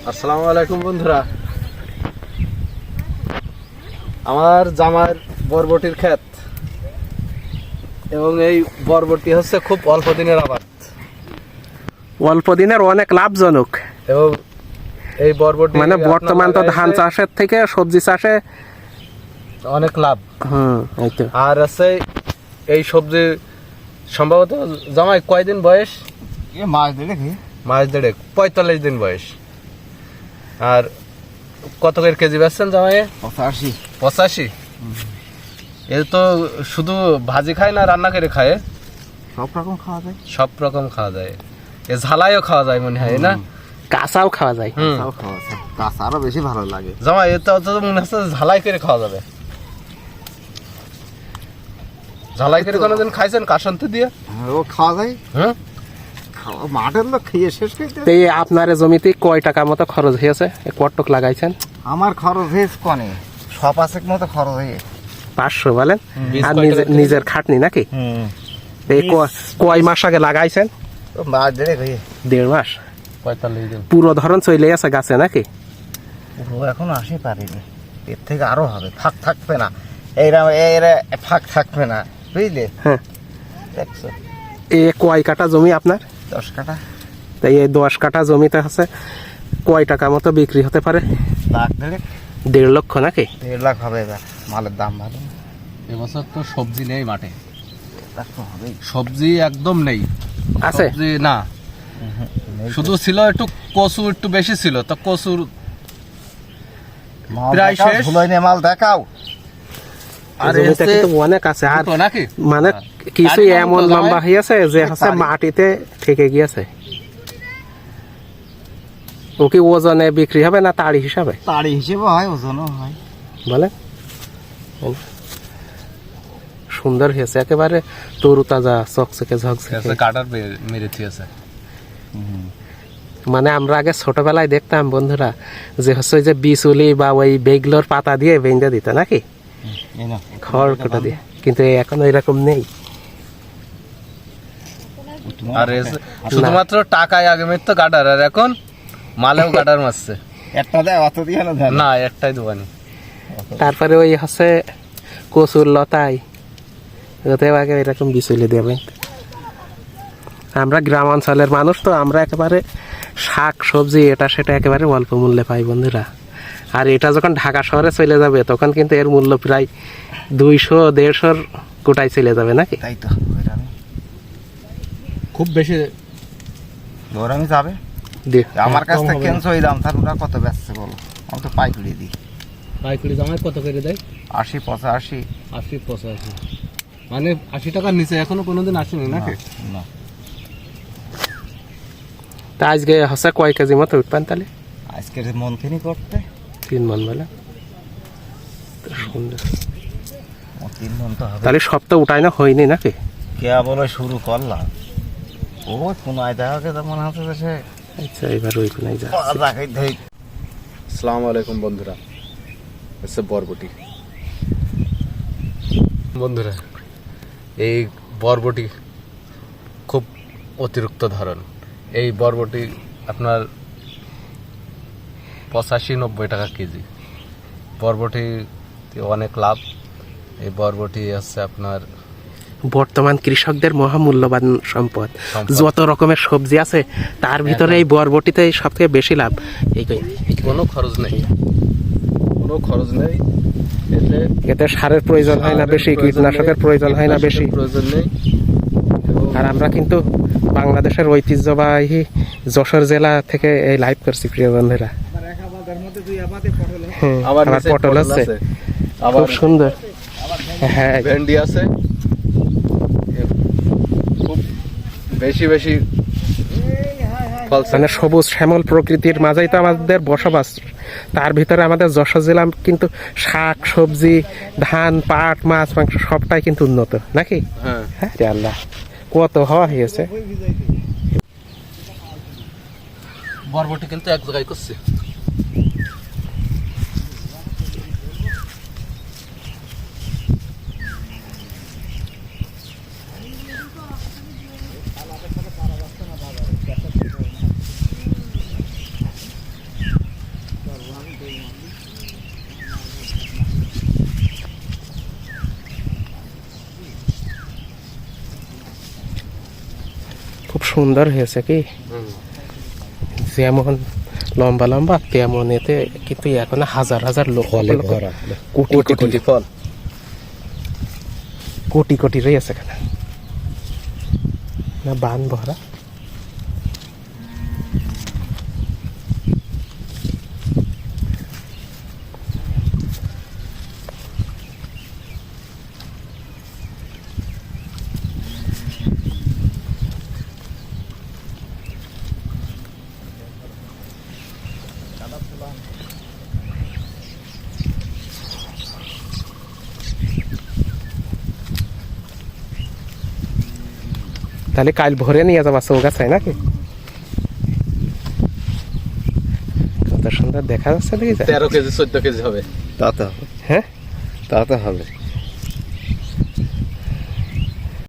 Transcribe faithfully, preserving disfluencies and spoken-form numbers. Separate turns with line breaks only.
আসসালামু আলাইকুম বন্ধুরা, আমার জামার বরবটির ক্ষেত এবং এই বরবটি হচ্ছে খুব অল্প দিনের আবাদ,
অল্প দিনের অনেক লাভজনক।
এবং এই বরবটি
মানে বর্তমান তো ধান চাষের থেকে সবজি চাষে
অনেক লাভ।
হুম এই তো।
আর আছে এই সবজি সম্ভবত জামাই কয়দিন বয়স?
মাছ দেড়েক
মাস দেড়েক, পঁয়তাল্লিশ দিন বয়স। আর কত করে কেজি বেচছেন জামাই?
পঁচাশি।
পঁচাশি। এ তো শুধু ভাজি খায় না রান্না করে খায়?
সব রকম খাওয়া যায়।
সব রকম খাওয়া যায়। এ ঝালাইও খাওয়া যায় মনে হয় না?
কাঁচাও খাওয়া যায়।
হুম।
কাঁচাও খাওয়া যায়, কাঁচা আরো বেশি ভালো লাগে।
জামাই এ তো তো মনে হচ্ছে ঝালাই করে খাওয়া যাবে। ঝালাই করে কোনোদিন খাইছেন কাসন্তি দিয়ে?
হ্যাঁ, ও খাওয়া যায়।
হ্যাঁ,
খাওয়া মাঠের লোক খেয়ে শেষ করতে।
তো এই আপনার জমিতে কয় টাকা মতো খরচ হয়েছে? কটক লাগাইছেন?
আমার খরচ হয়েছে কনে সব আছে মতো খরচ হয়ে
পাঁচশো বলেন।
বীজ
আর
কয়
নিজে-
টাকা
নিজের খাটনি নাকি?
হুম
তো এই ক- কয় মাস আগে লাগাইছেন?
মাছ দেড়েক হয়ে
দেড় মাস।
পঁয়তাল্লিশ দিন।
পুরো ধরন চলে আছে গাছে নাকি?
ও এখন আসে পারিনি, এর থেকে আরো হবে, ফাঁক থাকবে না। এইরকম এর ফাঁক থাকবে না, বুঝলে?
হ্যাঁ।
দেখছো
এ কয় কাটা জমি আপনার?
দশ কাটা।
তাই এই দশ কাটা জমিতে হচ্ছে কয় টাকা মতো বিক্রি হতে পারে?
লাখ দেড়েক,
দেড় লক্ষ নাকি?
দেড় লাখ হবে এবার। মালের দাম ভালো,
এবছর তো সবজি নেই মাঠে,
লাখ তো হবেই।
সবজি একদম নেই।
আছে?
সবজি না, শুধু ছিল একটু কচু, একটু বেশি ছিল তো কচুর
মাল
প্রায়
দেখাও,
শেষ।
ধুলোয় নিয়ে মাল দেখাও।
আর
জমিতে
এসে
কিন্তু অনেক আছে। আর
দুটো নাকি?
মানে
হ্যাঁ।
কিছু
তারই
এমন
নাম তো
লম্বা
জামাই?
হয়েছে যে হচ্ছে
তারই।
মাটিতে থেকে গিয়েছে। ও কি ওজনে বিক্রি হবে না তাড়ি হিসাবে
তাড়ি হিসেবে হয়, ওজনও হয়।
বলে? সুন্দর হয়েছে একেবারে, তরু তাজা, চকচকে ঝকঝকে।
কাটার মেরেছি আছে।
মানে আমরা আগে ছোটবেলায় দেখতাম বন্ধুরা যে হচ্ছে ওই যে বিচুলি বা ওই বেগলোর পাতা দিয়ে বেঁধে দিত নাকি,
এই নাও।
খড় কুটো দিয়ে, কিন্তু এখন এরকম নেই।
আর এসে শুধুমাত্র টাকায় আগে মেরতো গাডার, আর এখন মালেও গাডার মারছে।
একটা দেয়, অত দিয়ে না দেয় না।
না, একটাই দোকানি।
তারপরে ওই হচ্ছে কচুর লতায় ওতে আগে এরকম বিচুলি দেবে। আমরা গ্রাম অঞ্চলের মানুষ তো, আমরা একেবারে শাক সবজি এটা সেটা একেবারে অল্প মূল্যে পাই বন্ধুরা। আর এটা যখন ঢাকা শহরে চলে যাবে তখন কিন্তু এর মূল্য প্রায় দুইশো দেড়শোর কোটায় চলে যাবে নাকি?
তাই তো ওইরকমই।
খুব বেশি
ওইরকমই যাবে।
দিয়ে-
আমার কাছ
কম
থেকে
হবে
কেনছো ওই দাম, তার ওরা কত বেচছে বলো? আমি তো পাইকারি দিই।
পাইকারি জামাই কত করে দেয়?
আশি পঁচাশি।
আশি পঁচাশি, মানে আশি টাকার নিচে এখনো কোনোদিন আসেনি নাকি?
না,
তা আজকে হচ্ছে কয় কেজি মতো উঠবেন তাহলে?
আজকের মন্থিনী করতে
তিন মন বলে তো সুন্দর।
ও তিন মন তো হবে।
তাহলে সব তো উঠাই না হয়নি নাকি?
কে বলে শুরু করলাম, ও কোনায় দেখা গেছে মনে হচ্ছে যে সে
আচ্ছা এবার ওই কোনায় যা।
রাখাই ধই।
আসসালামু আলাইকুম বন্ধুরা, হচ্ছে বরবটি। বন্ধুরা, এই বরবটি খুব অতিরিক্ত ধরন। এই বরবটি আপনার পঁচাশি নব্বই টাকা কেজি। বরবটি অনেক লাভ। এই বরবটি হচ্ছে আপনার
বর্তমান কৃষকদের মহামূল্যবান সম্পদ।
সম্পদ।
যত রকমের সবজি আছে তার ভিতরে এই বরবটিতে সব থেকে বেশি লাভ। এই
কোনো খরচ নেই, কোনো খরচ নেই এতে।
এতে সারের প্রয়োজন হয় না বেশি, কীটনাশকের প্রয়োজন হয় না বেশি।
প্রয়োজন নেই।
আর আমরা কিন্তু বাংলাদেশের ঐতিহ্যবাহী যশোর জেলা থেকে এই লাইভ করছি প্রিয় বন্ধুরা। হ্যাঁ,
আবার
আবার
নিচে
পটল আছে,
আবার
খুব সুন্দর। হ্যাঁ
ভেন্ডি আছে, খুব বেশি বেশি ফলছে।
মানে সবুজ শ্যামল প্রকৃতির মাঝেই তো আমাদের বসবাস। তার ভিতরে আমাদের যশোর জেলা কিন্তু শাক সবজি ধান পাট মাছ মাংস সবটাই কিন্তু উন্নত নাকি?
হ্যাঁ,
হ্যাঁ রে আল্লাহ, কত হওয়া হয়েছে।
বরবটি কিন্তু এক জায়গায় করছে।
খুব সুন্দর হয়েছে কি, যেমন লম্বা লম্বা তেমন এতে কিন্তু এখন হাজার হাজার লোক কোটি কোটি
ফল
কোটি কোটি রয়েছে এখানে না বান ভরা। তাহলে কাল ভরে নিয়ে যাবা চৌগাছায় নাকি? কত সুন্দর দেখা যাচ্ছে দেখি।
তেরো কেজি চোদ্দ কেজি হবে।
তা তো হবে,
হ্যাঁ
তা তো হবে।